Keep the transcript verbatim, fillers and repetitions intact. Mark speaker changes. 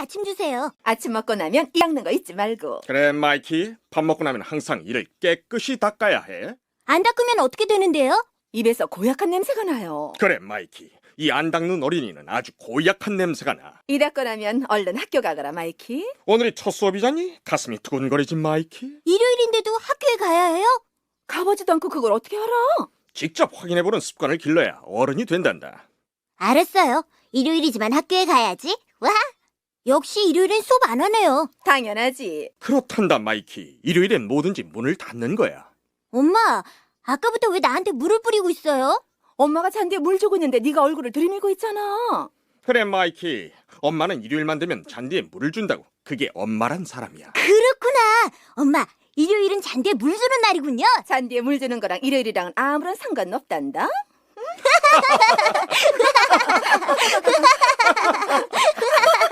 Speaker 1: 아침 주세요.
Speaker 2: 아침 먹고 나면 이 닦는 거 잊지 말고.
Speaker 3: 그래, 마이키. 밥 먹고 나면 항상 이를 깨끗이 닦아야 해.
Speaker 1: 안 닦으면 어떻게 되는데요?
Speaker 2: 입에서 고약한 냄새가 나요.
Speaker 3: 그래, 마이키. 이 안 닦는 어린이는 아주 고약한 냄새가 나.
Speaker 2: 이 닦고 나면 얼른 학교 가거라, 마이키.
Speaker 3: 오늘이 첫 수업이잖니? 가슴이 두근거리지, 마이키.
Speaker 1: 일요일인데도 학교에 가야 해요?
Speaker 2: 가보지도 않고 그걸 어떻게 알아?
Speaker 3: 직접 확인해보는 습관을 길러야 어른이 된단다.
Speaker 1: 알았어요. 일요일이지만 학교에 가야지. 와! 역시 일요일엔 수업 안 하네요.
Speaker 2: 당연하지.
Speaker 3: 그렇단다, 마이키. 일요일엔 뭐든지 문을 닫는 거야.
Speaker 1: 엄마, 아까부터 왜 나한테 물을 뿌리고 있어요?
Speaker 2: 엄마가 잔디에 물 주고 있는데 네가 얼굴을 들이밀고 있잖아.
Speaker 3: 그래, 마이키. 엄마는 일요일만 되면 잔디에 물을 준다고. 그게 엄마란 사람이야.
Speaker 1: 그렇구나. 엄마, 일요일은 잔디에 물 주는 날이군요.
Speaker 2: 잔디에 물 주는 거랑 일요일이랑은 아무런 상관없단다.